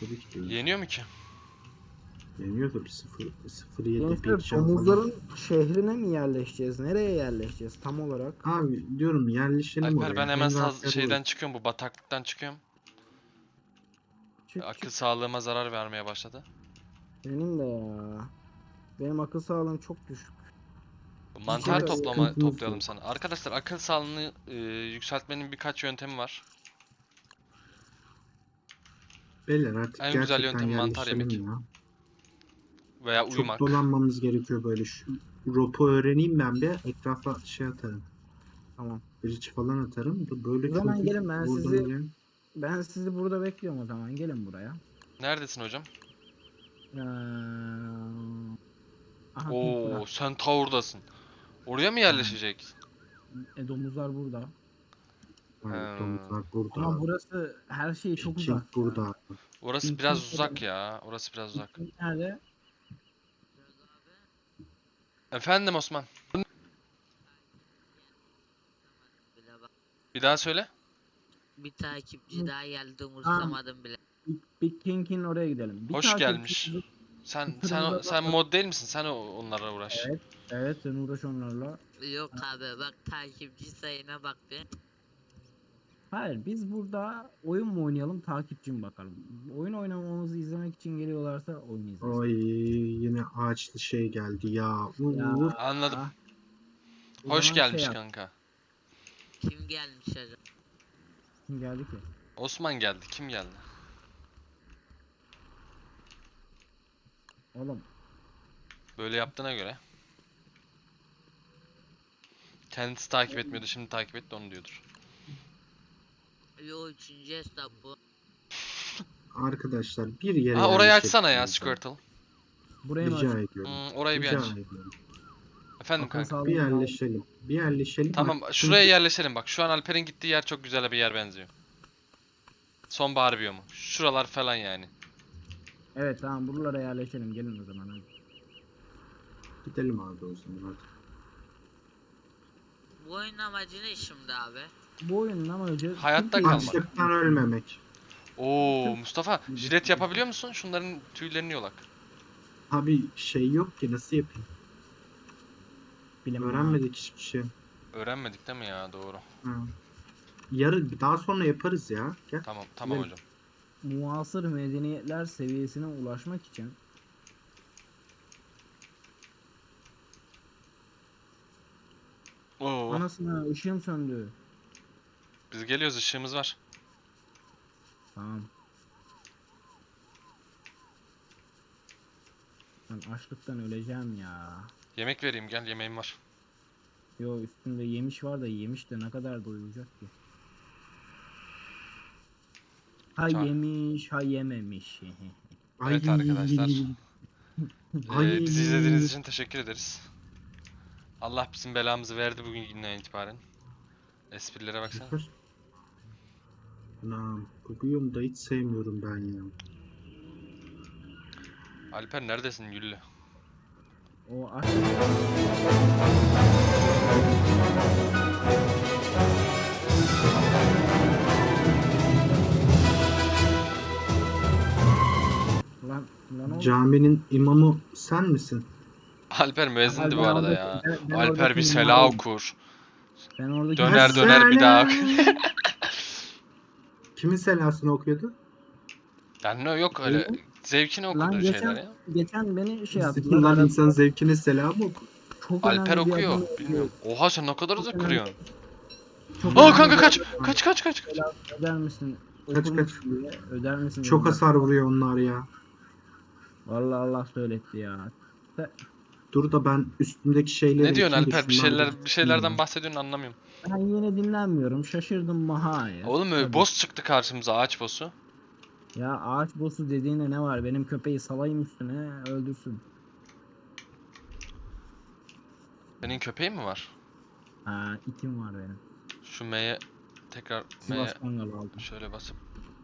Tabii ki değil. Yeniyor mu ki? Yeniyor tabii 0-7 Gençler bir can falan. domuzların şehrine mi yerleşeceğiz? Nereye yerleşeceğiz tam olarak? Abi diyorum yerleşelim Alper oraya. ben hemen En rahat yer şeyden orası. çıkıyorum, bu bataklıktan çıkıyorum. Çık Akıl çık. sağlığıma zarar vermeye başladı. Benim de ya. Benim akıl sağlığım çok düşük. Mantar Çok sıkıntımız toplayalım yok. sana. Arkadaşlar akıl sağlığını yükseltmenin birkaç yöntemi var. Beyler artık En güzel gerçekten yöntem mantar yemek. yerleşelim ya. Veya Çok uyumak. dolanmamız gerekiyor böyle. Şu ropu öğreneyim ben bir. Etrafa şey atarım. Tamam. Bridge falan atarım. Böyle O zaman çok gelin buradan ben sizi burada bekliyorum o zaman. Gelin buraya. Neredesin hocam? Ee, Aha Oo, sen Tower'dasın. Oraya mı yerleşecek? domuzlar burada. Evet, domuzlar Ama burada. burası her şey çok King uzak. burada. Orası biraz uzak ya. Orası biraz uzak. Nerede? Efendim Osman. Bir daha söyle. Bir takipçi daha geldi umursamadım bile. Big King'in oraya gidelim. Bir Hoş takipçi- gelmiş. Sen mod değil misin? Sen onlara uğraş. Evet. Evet sen uğraş onlarla. Yok abi bak takipçi sayına bak be. Hayır biz burada oyun mu oynayalım takipçi mi bakalım. Oyun oynamamızı izlemek için geliyorlarsa oyun izlesin. Ay yine ağaçlı şey geldi ya. Ya. Uf. Anladım. O Hoş zaman gelmiş yap. kanka. Kim gelmiş acaba? Kim geldi ki? Osman geldi. Kim geldi? Oğlum Böyle yaptığına göre. Kendisi takip etmiyordu, şimdi takip etti, onu diyordur. Yo üçüncü hesap bu. Arkadaşlar bir yere Aa, orayı açsana ya yerleşelim. Squirtle. burayı mı Rica açayım? ediyorum. Orayı bir Rica aç. ediyorum. Efendim Akıl kanka. sağlığım Bir daha- yerleşelim. Bir yerleşelim. Tamam, Bak, şuraya çünkü- yerleşelim bak. Şu an Alper'in gittiği yer çok güzel bir yer benziyor. Sonbahar biyomu. Şuralar falan yani. Evet tamam buralara yerleşelim gelin o zaman hadi. Gidelim abi o zaman hadi. Bu oyunun amacı ne şimdi abi? Bu oyunun amacı Hayatta Türkiye- kalmak. Açlıktan ölmemek. Oo Mustafa, jilet yapabiliyor musun? Şunların tüylerini yolak. Abi şey yok ki nasıl yapayım? Bilim Öğrenmedik hiçbir şey. Öğrenmedik değil mi ya? Doğru. Ha. Daha sonra yaparız ya. Gel. Tamam Gidelim. hocam. Muasır medeniyetler seviyesine ulaşmak için Oo. anasına ışığım söndü. Biz geliyoruz, ışığımız var. Tamam. Ben açlıktan öleceğim ya. Yemek vereyim, gel, yemeğim var. Yo üstünde yemiş var da yemiş de ne kadar doyuracak ki? Ha Tamam. yemiş, ha yememiş. Evet arkadaşlar. Ay. Bizi izlediğiniz için teşekkür ederiz. Allah bizim belamızı verdi bugünden itibaren. Esprilere baksana. Anam, bu biyomu da hiç sevmiyorum ben ya. Alper neredesin Güllü? O aç. Lan oğlum. Caminin imamı sen misin? Alper müezzindi bu Ben arada oradaki- ya. ben Alper oradaki bir sela mimarım. okur. Ben oradaki Döner döner bir daha. Kimin selasını okuyordu? Yani yok öyle zevkine Lan okuduğu şeyler ya. geçen beni şey yaptılar. Lan aradılar. insan zevkine selam okur. Çok Alper önemli bir okuyor. adam- Bilmiyorum. Oha sen ne kadar hızlı Çok önemli- kırıyorsun. çok Aa önemli kanka bir kaç. adam- Kaç kaç kaç. Öder misin? Kaç, Okur kaç. musun diye, öder misin? Çok dedim. hasar vuruyor onlar ya. Vallahi Allah söyletti ya. Dur da ben üstümdeki şeyleri Ne diyorsun ekeyim de Alper? şunları Bir şeylerden ya. bahsediyorsun, anlamıyorum. Ben yine dinlenmiyorum. Şaşırdım maha ya. Oğlum Tabii. boss çıktı karşımıza, ağaç boss'u. Ya ağaç boss'u dediğine ne var? Benim köpeği salayım üstüne öldürsün. Senin köpeğin mi var? Ha itim var benim. Şu M'ye tekrar Sivas Kangalı aldım. şöyle basıp.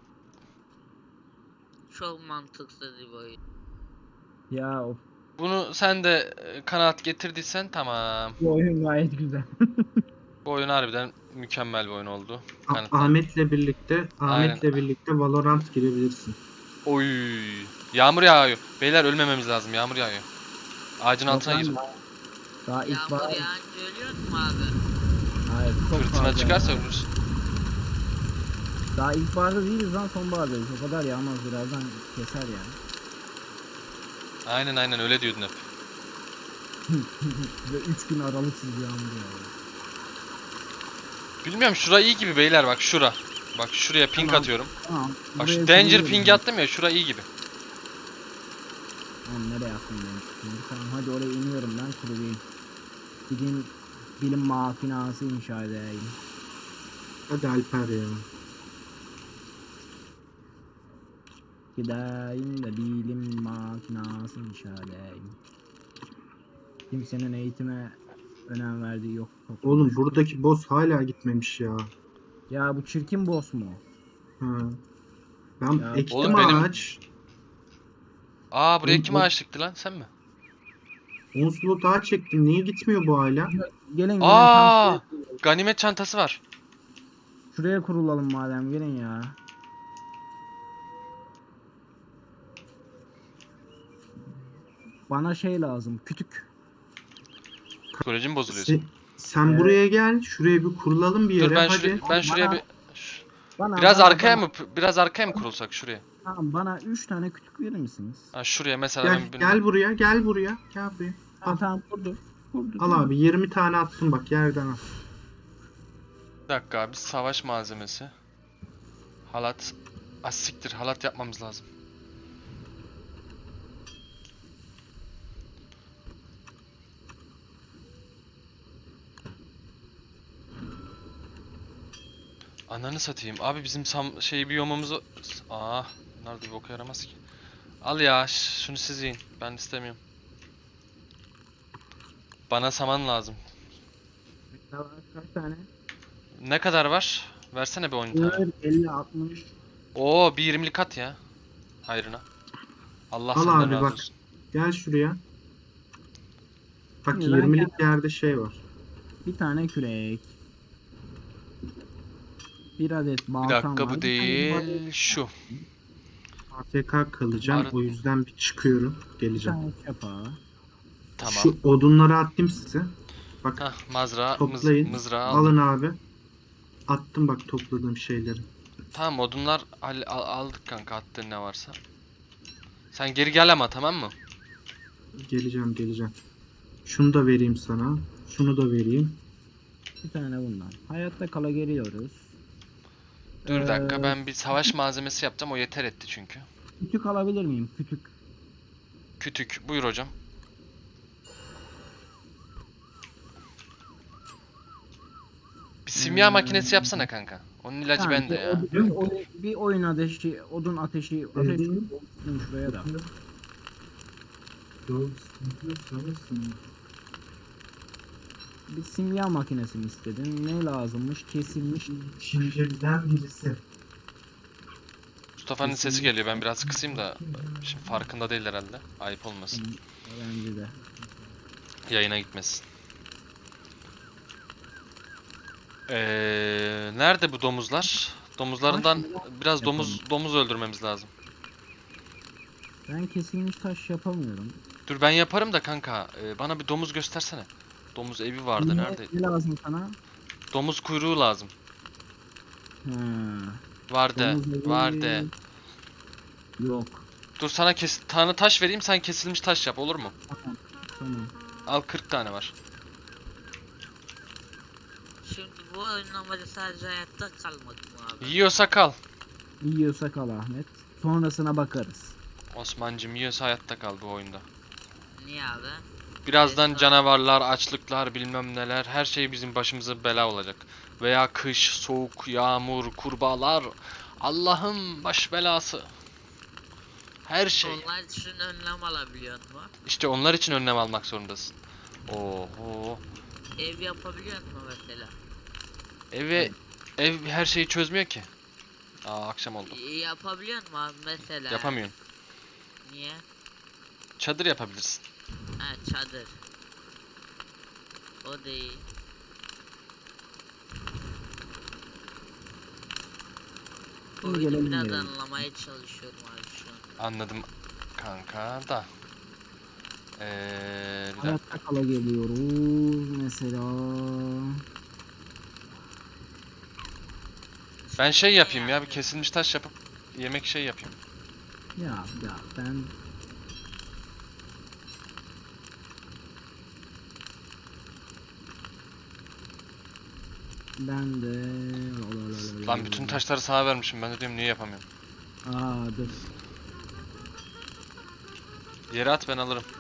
Çok mantıksız bir oyun. Ya of. Bunu sen de kanaat getirdiysen tamam. Bu oyun gayet güzel. Bu oyun harbiden mükemmel bir oyun oldu. Ahmet'le birlikte Valorant girebilirsin. Oy. Yağmur yağıyor. Beyler ölmememiz lazım. Yağmur yağıyor. Ağacın Yok altına lan, gir. daha ilk Yağmur bahar. yağınca ölüyor mu abi? Hayır, çok Fırtına fazla çıkarsa ya. ölürüz. Daha ilkbaharda değiliz lan, sonbahardayız. O kadar yağmaz, birazdan keser yani. Aynen öyle diyordun hep. Ve 3 gün aralıksız yağmur yağıyor. Bilmiyorum, şura iyi gibi beyler, bak şura. Bak şuraya ping Tamam. atıyorum. Tamam. Bak buraya şu danger kuruyorum ping ben. attım ya, şura iyi gibi. Tamam, nereye attım ben şimdi? Tamam, hadi oraya iniyorum ben, kurulayım. Gideyim bilim makinası inşa edeyim. Hadi Alper ya. Gideyim de bilim makinası inşa edeyim. Kimsenin eğitime önem verdiği yok. Oğlum buradaki boss hala gitmemiş ya. Ya bu çirkin boss mu? Ha. Ben Ya, ektim oğlum benim- ağaç. Aa, buraya Oğlum, kim o- ağaç dikti lan, sen mi? 10 slot daha çektim. Niye gitmiyor bu hala? Gelin Aa, tam ganimet çantası var. şuraya kurulalım madem, gelin ya. Bana şey lazım, kütük. Psikolojim bozuluyor. Sen Evet. buraya gel. Şuraya bir kurulalım bir yere. Dur ben Hadi. şuraya, ben şuraya Bana- bir Bana, biraz bana- arkaya bana- mı biraz arkaya mı kurulsak şuraya? Tamam, bana 3 tane kütük verir misiniz? Ha, şuraya mesela Gel, ben gel buraya. Gel buraya. Gel buraya. Tamam, Al. tamam, kurdu. Kurdu. Al abi 20 tane attım bak yerden al. bir dakika abi, savaş malzemesi. Halat. Siktir, halat yapmamız lazım. Ananı satayım. Abi bizim biyomumuz... Aa, bunlar da bir boka yaramaz ki. Al ya, şunu siz yiyin. Ben istemiyorum. Bana saman lazım. Kaç tane? Ne kadar var? Versene bir 10 tane. 50, 60. Oo, bir 20'lik at ya. Hayrına. Allah Al senden abi, razı bak. olsun. Gel şuraya. Bak Şimdi ben 20'lik yerde şey var. Bir tane kürek. Bir adet Bir baltam dakika, var. bu Bir tane değil. Şu. AFK kalacağım. Arı- O yüzden bir çıkıyorum. Bir Geleceğim. tane çapa. Tamam. Şu odunları attım size. Bak Hah, mızrağı, toplayın. mızrağı aldım. Alın abi. Attım bak topladığım şeyleri. Tamam, odunlar aldık kanka, attığın ne varsa. Sen geri gel ama, tamam mı? Geleceğim. Şunu da vereyim sana. Şunu da vereyim. Bir tane bundan. Hayatta kala geliyoruz. Dur bir dakika, Ee, ben bir savaş malzemesi yapacağım, o yeter etti çünkü. Kütük alabilir miyim? Kütük. Kütük, buyur hocam. Bir simya makinesi yapsana kanka. Onun ilacı Tamam, bende ya. bir oyun ateşi, odun ateşi olsun şuraya da. Bir simya makinesini istedim. Ne lazımmış? Kesilmiş. Şimdilikten birisi. Mustafa'nın sesi geliyor, ben biraz kısayım da şimdi farkında değil herhalde. Ayıp olmasın. Bence de. Yayına gitmesin. Nerede bu domuzlar? Domuzlarından biraz domuz öldürmemiz lazım. Ben kesilmiş taş yapamıyorum. Dur ben yaparım da kanka. Bana bir domuz göstersene. Domuz evi vardı, nerede? Ne lazım sana? Domuz kuyruğu lazım. Ha, Vardı. domuz evi- Vardı. Yok. Dur sana tane taş vereyim, sen kesilmiş taş yap, olur mu? Tamam. Al, 40 tane var. Şimdi bu oyunun amacı sadece hayatta kalmak mı abi? Yiyorsa kal. Yiyorsak al Ahmet. Sonrasına bakarız. Osman'cım, yiyorsa hayatta kal bu oyunda. Niye abi? Birazdan Neyse. canavarlar, açlıklar, bilmem neler, her şey bizim başımıza bela olacak. Veya kış, soğuk, yağmur, kurbağalar. Allah'ım baş belası. Her şey. Onlar için önlem alabiliyor mu? İşte onlar için önlem almak zorundasın. Oho. Ev yapabiliyor mu mesela? Ev her şeyi çözmüyor ki. Aa, akşam oldu. Yapabiliyor mu abi mesela? Yapamıyorsun. Niye? Çadır yapabilirsin. Ha, çadır. O değil. Şimdi Oyunu gelelim biraz gelelim. anlamaya çalışıyorum abi şu an. Anladım kanka da. Bir dakika. Hayatta kala geliyoruz mesela. Ben şey yapayım ya, bir kesilmiş taş yapıp yemek şey yapayım. Ya ben de Lan bütün taşları sana vermişim, ben de diyorum niye yapamıyorum. dur. Yere at, ben alırım.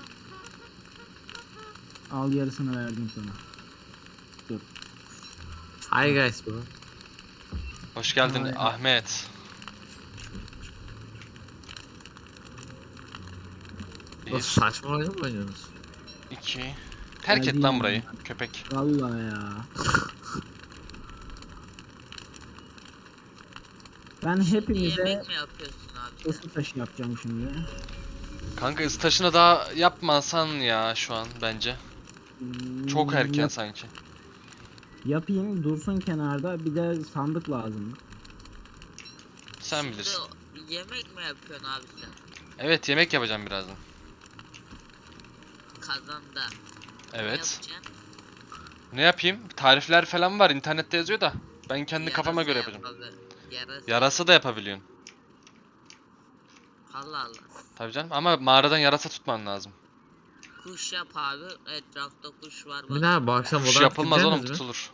Al, yarısını verdim sana. Dur. Hi guys bro. Hoş geldin Ay. Ahmet. Nasıl 1, saçma oyun mu oynuyorsunuz? 2. Terk et Geldim lan ya. burayı köpek. Vallahi ya. Ben hepinize Yemek mi yapıyorsun abi? ısı taşı yapacağım şimdi. Kanka ısı taşını daha yapmasan ya şu an bence. Çok erken Yap- sanki. yapayım, dursun kenarda. Bir de sandık lazım. Sen Şimdi bilirsin. yemek mi yapıyorsun abi sen? Evet, yemek yapacağım birazdan. Kazanda. Ne Evet. yapacaksın? Ne yapayım? Tarifler falan var, internette yazıyor da. Ben kendi kafama göre Yarasa yapacağım. yap abi. Yarasa. Yarasa da yapabiliyorsun. Allah Allah. Tabii canım, ama mağaradan yarasa tutman lazım. Kuş yap abi. Etrafta kuş var bak. Bir daha bu akşam Kuş odan yapılmaz oğlum, mi? tutulur.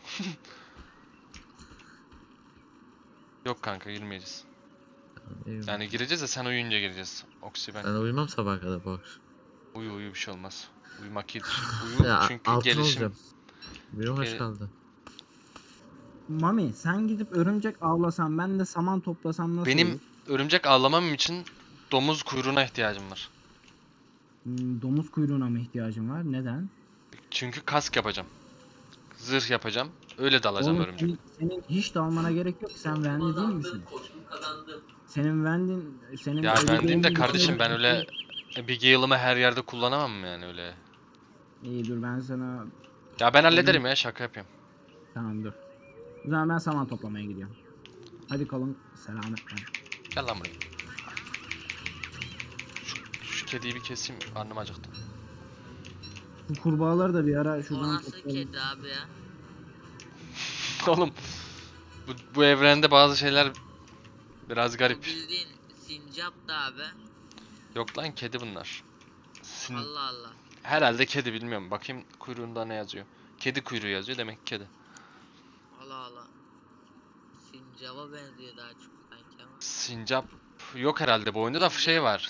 Yok kanka, girmeyeceğiz. Yani gireceğiz de sen uyuyunca gireceğiz. Oksi ben. Ben uyumam sabah kadar bu akşam. Uyu bir şey olmaz. Uyumak iyidir. Uyu Ya çünkü altın gelişim. olacağım. Bir hoş Gel- kaldı. Mami, sen gidip örümcek avlasan, ben de saman toplasam nasıl Benim olur? örümcek avlamam için domuz kuyruğuna ihtiyacım var. Domuz kuyruğuna mı ihtiyacın var? Neden? Çünkü kask yapacağım. Zırh yapacağım. Öyle dalacağım Oğlum, örümcek. senin hiç dalmana gerek yok. Sen Vendi değil misin? Senin Ya ben diyeyim de Abigail'in kardeşim, ben içinde- öyle Abigail'ımı her yerde kullanamam mı yani öyle? İyi, dur ben sana... Ya ben hallederim ya, şaka yapıyorum. Tamam, dur. O zaman ben saman toplamaya gidiyorum. Hadi kalın selametle. Gel lan buraya. Şu kediyi bir keseyim, karnım acıktı. Bu kurbağaları da bir ara O şuradan nasıl toplayalım. kedi abi ya? Oğlum bu evrende bazı şeyler biraz O garip. bildiğin sincap da abi. Yok lan, kedi bunlar. Allah Allah. Herhalde kedi, bilmiyorum. Bakayım kuyruğunda ne yazıyor. Kedi kuyruğu yazıyor, demek ki kedi. Allah Allah. Sincaba benziyor daha çok sanki ama. Sincap yok herhalde bu oyunda, da şey var.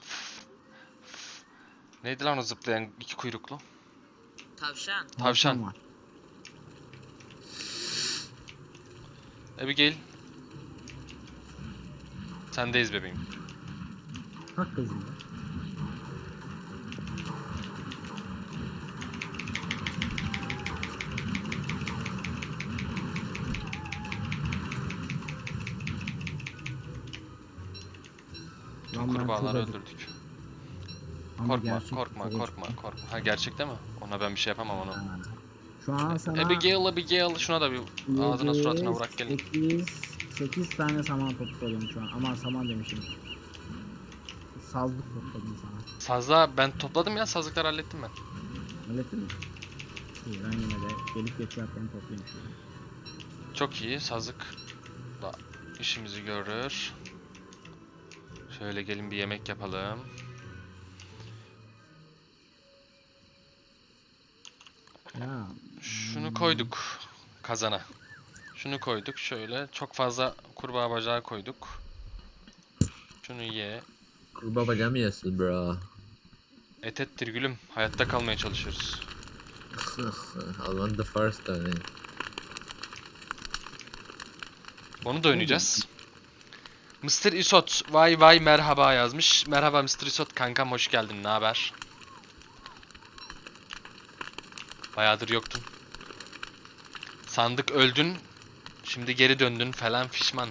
Neydi lan o zıplayan iki kuyruklu? Tavşan. Tavşan. var. Abigail. Sendeyiz bebeğim. Kalk kızım ya. Lan ben Kurbağaları çok acıktım. öldürdük. Ama Korkma, gerçek korkma, çok korkma, acıktım. korkma. Ha, gerçekte mi? Ona ben bir şey yapamam onu. Ha. Şu an sana Abigail, şuna da bir ağzına suratına vurak gelin. 8 tane saman topladım şu an. Aman saman demişim. Sazlık topladım sana. Sazda ben topladım ya, sazlıkları hallettim ben. Hallettin mi? İyi, ben yine de gelip geçerken toplayayım şöyle. Çok iyi, sazlık da işimizi görür. Şöyle gelin bir yemek yapalım. Ya Şunu koyduk kazana. Şunu koyduk şöyle. Çok fazla kurbağa bacağı koyduk. Şunu ye. Kurbağa bacağı mı yiyorsun bro? Et ettir gülüm. Hayatta kalmaya çalışıyoruz. I want the first one. Onu da oynayacağız. Mr. Isot vay vay merhaba yazmış. Merhaba Mr. Isot kankam, hoş geldin. Ne haber? Bayağıdır yoktun. Sandık öldün. Şimdi geri döndün falan fişman.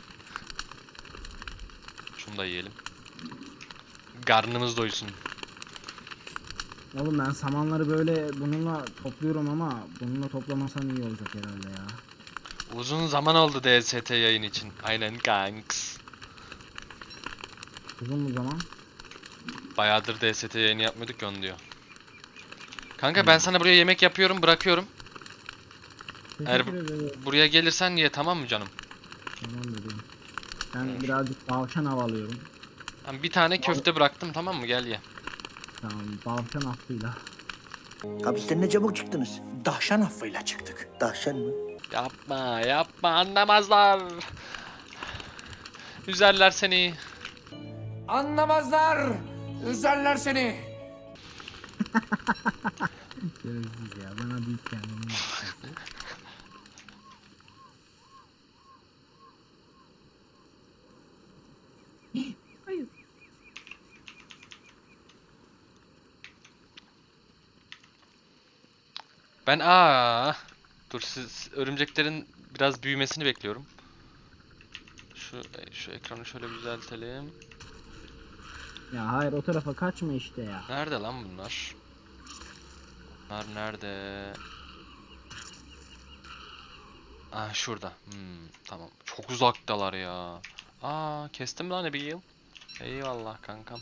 Şunu da yiyelim. Karnımız doysun. oğlum, ben samanları böyle bununla topluyorum ama bununla toplamasam iyi olacak herhalde ya. Uzun zaman oldu DST yayın için. Aynen kanks. Uzun mu zaman? Bayağıdır DST yayını yapmıyorduk ya onu diyor. Kanka ben sana buraya yemek yapıyorum, bırakıyorum. Eğer Teşekkür ederim. buraya gelirsen ye, tamam mı canım? Tamam dedim. Ben birazcık tavşan havalıyorum. Ben bir tane köfte bıraktım, tamam mı? Gel ye. Tamam, tavşan affıyla. Hapisten ne çabuk çıktınız? Dahşan affıyla çıktık. Dahşan mı? Yapma, yapma, anlamazlar. Üzerler seni. Anlamazlar. Üzerler seni. Şerefsiz ya. Bana büyük kendimi yapması. Hayır. Ben dur, siz örümceklerin biraz büyümesini bekliyorum. Şu ekranı şöyle düzeltelim. Ya hayır, o tarafa kaçma işte ya. Nerede lan bunlar? Bunlar nerede? Şurada. Tamam. Çok uzaktalar ya. Kestim lan bir yıl. Eyvallah kankam.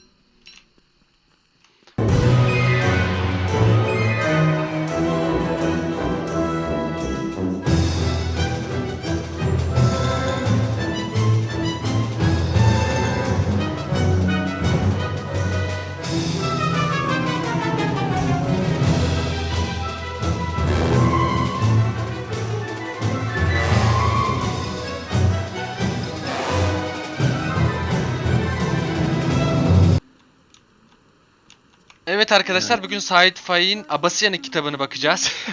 Evet arkadaşlar, bugün Sait Faik'in Abasıyanık kitabını bakacağız.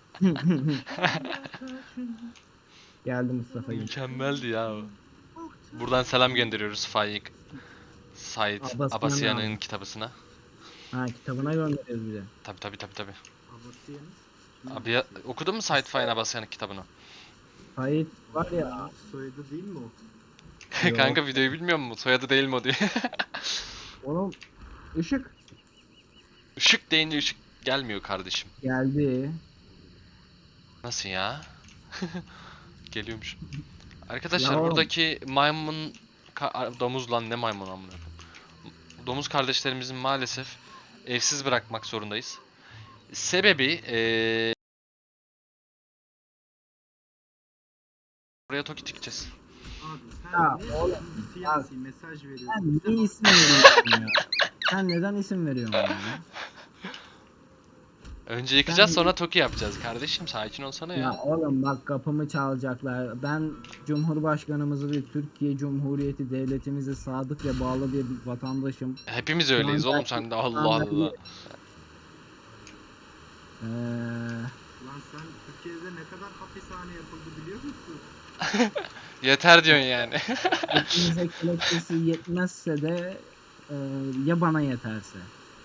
Geldi Mustafa Gül. Mükemmeldi ya o. Buradan selam gönderiyoruz Faik. Sait Abasıyanık Abasıyanık'ın abi. kitabısına. Ha, kitabına gönderiyoruz bir de. Tabi. Abasıyan. Abi ya, okudun mu Sait Faik'in Abasıyanık kitabını? Hayır var ya. Soyadı değil mi o? Yok. Kanka videoyu bilmiyor musun? Soyadı değil mi o diye. Oğlum ışık Işık deyince ışık gelmiyor kardeşim. geldi. Nasıl ya? Geliyormuş. Arkadaşlar Ya oğlum. buradaki maymun domuz lan, ne maymun amına koyayım. Domuz kardeşlerimizin maalesef evsiz bırakmak zorundayız. Sebebi buraya Toki dikeceğiz. Abi sen Ya ne oğlum, siyasi mesaj veriyorsun? Sen Bize niye bak. isim veriyorsun ya? Sen neden isim veriyorsun ya? Önce yıkacağız, Sen- sonra Toki yapacağız kardeşim, sakin olsana Ya ya. oğlum bak, kapımı çalacaklar. Ben Cumhurbaşkanımızı ve Türkiye Cumhuriyeti devletimize sadık ve bağlı bir vatandaşım. Hepimiz öyleyiz oğlum, sen de Allah Allah. Lan sen Türkiye'de ne kadar hapishane yapıldı biliyor musun? Yeter diyorsun yani. Hepimize kelepçesi yetmezse de ya bana yeterse.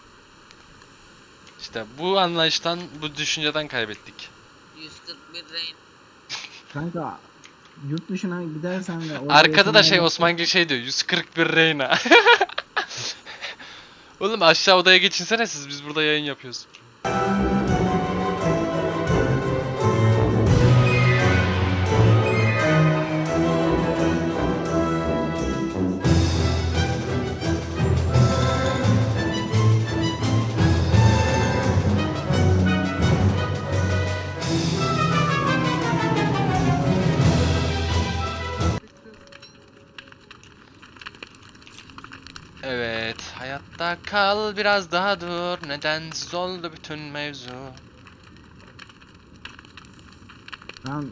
İşte bu anlayıştan, bu düşünceden kaybettik. 141 rehin. Kanka yurt dışına gidersen ve orada Arkada da yaşamaya- Osmangil diyor, 141 Reyna. Oğlum aşağı odaya geçinsene siz, biz burada yayın yapıyoruz. Evet, hayatta kal, biraz daha dur. Nedensiz oldu bütün mevzu. Lan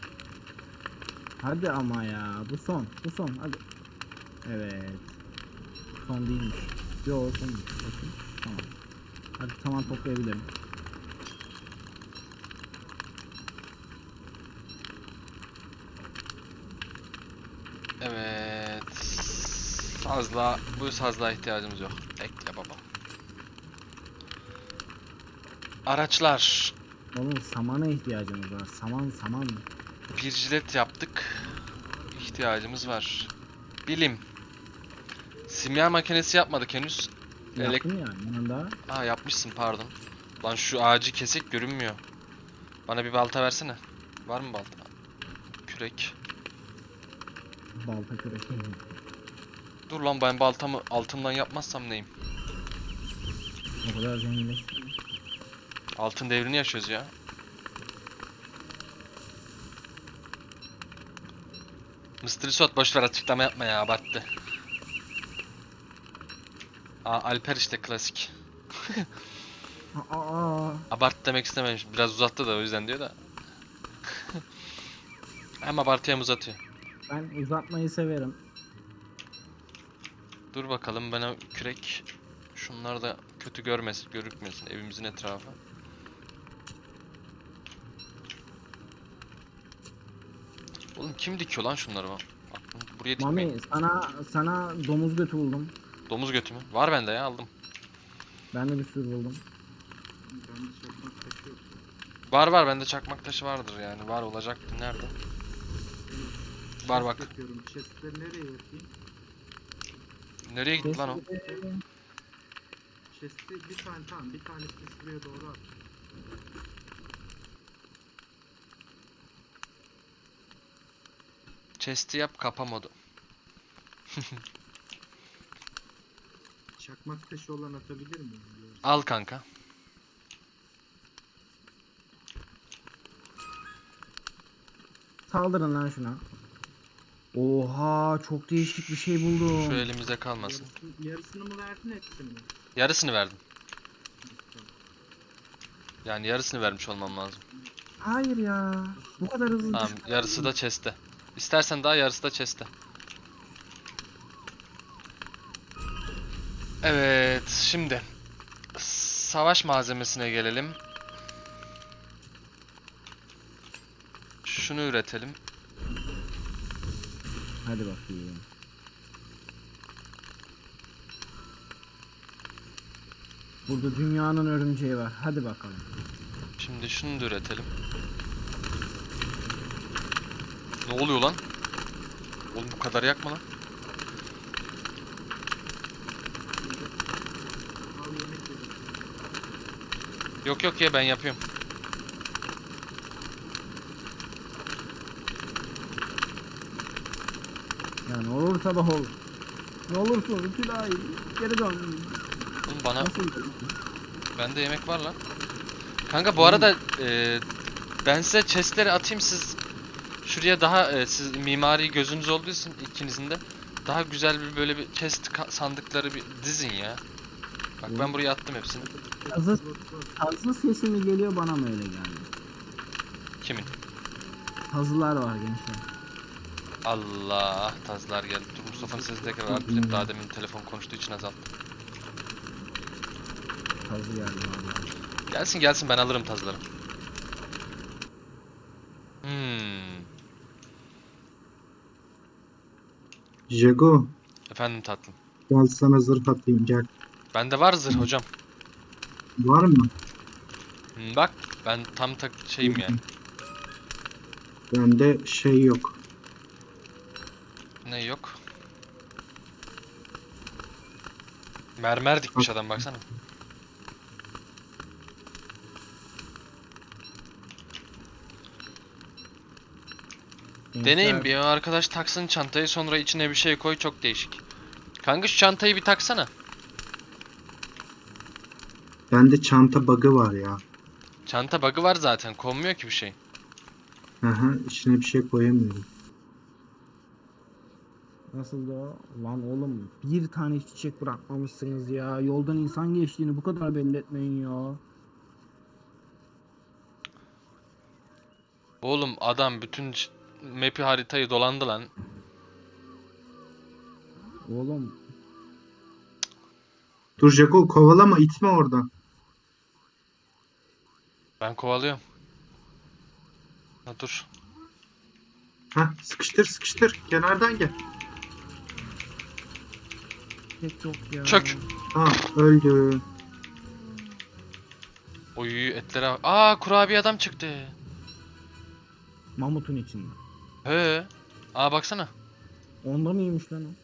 hadi ama ya, bu son hadi. Evet, son değilmiş. Yo, sonmuş. Bakayım. Tamam. Hadi tamam, toplayabilirim. Evet. Bu sazlığa ihtiyacımız yok. Bekle baba. Araçlar. Oğlum samana ihtiyacımız var. Saman. Bir jilet yaptık. İhtiyacımız var. Bilim. Simya makinesi yapmadık henüz. Yaptım ya yanında. Yapmışsın, pardon. Lan şu ağacı kesik görünmüyor. Bana bir balta versene. Var mı balta? Kürek. Balta kürek. Dur lan, ben baltamı altından yapmazsam neyim? O kadar zenginleştim. Altın devrini yaşıyoruz ya. Mr. Risot boşver, açıklama yapma ya, abarttı. Alper işte klasik. Aa, Abart demek istememiş. Biraz uzattı da o yüzden diyor da. Hem abartıya hem uzatıyor. ben uzatmayı severim. Dur bakalım, bana kürek. Şunlar da kötü görmesin, görükmesin evimizin etrafı. Oğlum kim dikiyor lan şunları bak. Buraya dikmeyin. Mami sana domuz götü buldum. Domuz götü mü? Var bende ya, aldım. Ben de bir sürü buldum. Ben de çakmak taşı yok. Var bende çakmak taşı vardır yani. Var olacaktı, nerede? Var bak. Chest yapıyorum. Chest'leri nereye yapayım? Nereye gitti lan o? Chest'i bir tane, tamam, bir tanesini şuraya doğru at. Chest'i yap, kapa modu. Çakmak taşı olan atabilir miyim? Al kanka. Saldırın lan şuna. Oha çok değişik bir şey buldum. Şu elimize kalmasın. Yarısını mı verdin, hepsini mi? Yarısını verdim. Yani yarısını vermiş olmam lazım. Hayır ya. Bu kadar hızlı Tamam, yarısı da chest'te. İstersen daha, yarısı da chest'te. Evet, şimdi savaş malzemesine gelelim. Şunu üretelim. Hadi bakayım. Burada dünyanın örümceği var. Hadi bakalım. Şimdi şunu da üretelim. Ne oluyor lan? Oğlum bu kadar yakma lan. Al yemek yedim. Yok ya, ben yapıyorum. Ya ne olur sabah ol. Ne olursun Tülay. Geri dön. Oğlum bana, Nasıl? bende yemek var lan. Kanka bu arada ben size chestleri atayım, siz şuraya daha siz mimari gözünüz olduğu için ikinizin de daha güzel bir böyle bir chest sandıkları bir dizin ya. Bak ben buraya attım hepsini. Tazı sesi mi geliyor bana mı öyle geldi? Kimin? Tazılar var gençler. Allah, tazlar geldi. Dur, Mustafa'nın sesini tekrar arttırayım. Daha demin telefon konuştuğu için azalttım. Tazı geldi vallahi. Gelsin ben alırım tazları. Hmm. Jago, Efendim tatlım. gel sana zırh atayım, gel. Bende var zırh hocam. Var mı? Bak ben tam şeyim yani. Bende şey yok. Ne yok? Mermer dikmiş adam, baksana. Deneyin bir, arkadaş taksın çantayı, sonra içine bir şey koy, çok değişik. Kanka şu çantayı bir taksana. Bende çanta bug'ı var ya. Çanta bug'ı var zaten, konmuyor ki bir şey. Aha, içine bir şey koyamıyorum. Nasıl da lan oğlum bir tane çiçek bırakmamışsınız ya. Yoldan insan geçtiğini bu kadar belli etmeyin ya. Oğlum adam bütün map'i, haritayı dolandı lan. Oğlum Dur Jago, kovalama, itme oradan. Ben kovalıyorum. Ha dur. Hah, sıkıştır sıkıştır. Kenardan gel. çiçek yok ya. Çök. Ah, öldü. Oy etlere bak. Aa, kurabiye adam çıktı. Mamutun içinde. He. Aa baksana. Onda mıymış lan o?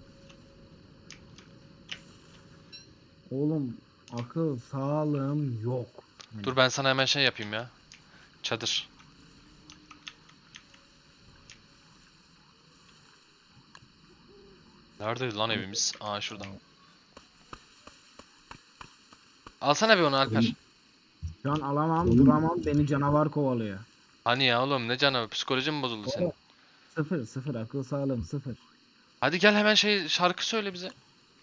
Oğlum akıl sağlığım yok. Dur ben sana hemen şey yapayım ya. Çadır. Neredeydi lan evimiz? Aa şurada. Alsana bir onu Alper. Şu an alamam, Oğlum. duramam. Beni canavar kovalıyor. Hani ya oğlum ne canı psikolojin mi bozuldu senin? Sıfır akıl sağlığım sıfır. Hadi gel hemen şarkı söyle bize.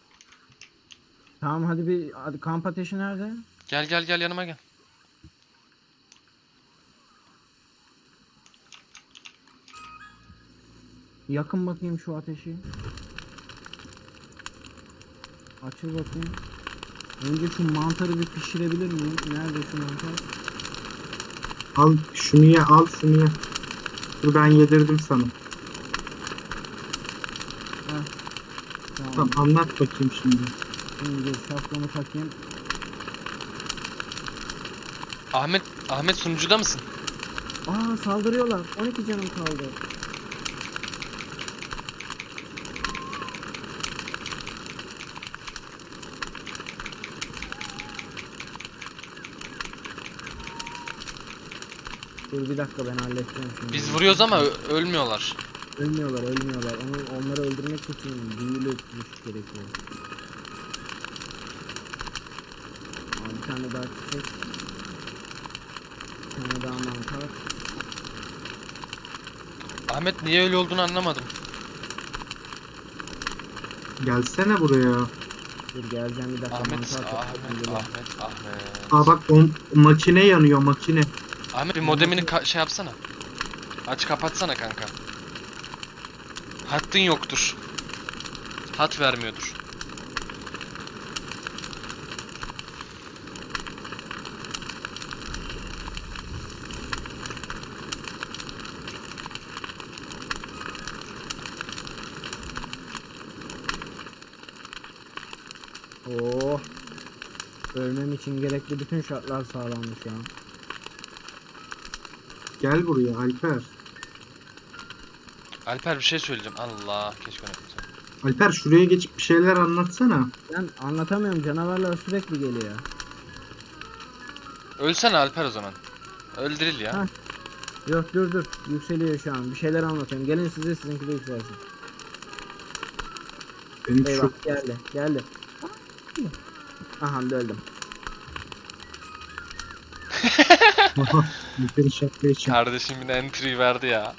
Tamam hadi kamp ateşi nerede? Gel yanıma gel. Yakın bakayım şu ateşi. Açıl bakayım. Önce şu mantarı bir pişirebilir miyim? Nerede şu mantar? Al şunu ye, al şunu ye. Dur ben yedirdim sana. Tamam. Tamam anlat bakayım şimdi. Şimdi dur şapkamı takayım. Ahmet sunucuda mısın? Aa saldırıyorlar. 12 canım kaldı. Dur bir dakika ben halledeceğim şimdi. Biz vuruyoruz ama ölmüyorlar. Ölmüyorlar. Onları öldürmek için büyülü güç gerekiyor. Aa, bir tane daha çiçek. Bir tane daha mantar. Ahmet niye öyle olduğunu anlamadım. Gelsene buraya. Dur geleceğim bir dakika. Ahmet. Geliyorum. Aa bak o makine yanıyor makine. Ahmet bir modemini şey yapsana. Aç kapatsana kanka. Hattın yoktur. Hat vermiyordur. Oh. Ölmem için gerekli bütün şartlar sağlandı şu an. Gel buraya Alper. Alper bir şey söyleyeceğim. Allah keşke unutmasam. Alper şuraya geçip bir şeyler anlatsana. Ben anlatamıyorum, canavarlar sürekli geliyor. Ölsene Alper o zaman. Öldürül ya. Ha. Yok dur yükseliyor şu an. Bir şeyler anlatıyorum. Gelin sizinki de yükselsin. Benim Eyvah şu geldi. Aha öldüm. Alper'i şapkaya çek. Kardeşim yine entry verdi ya.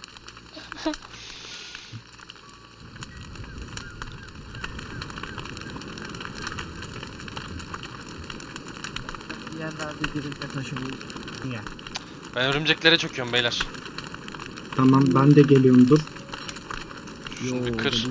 Yerlerde dirilme taşımı. Ya. Ben örümceklere çöküyorum beyler. Tamam ben de geliyorum dur. Şunu bir kır.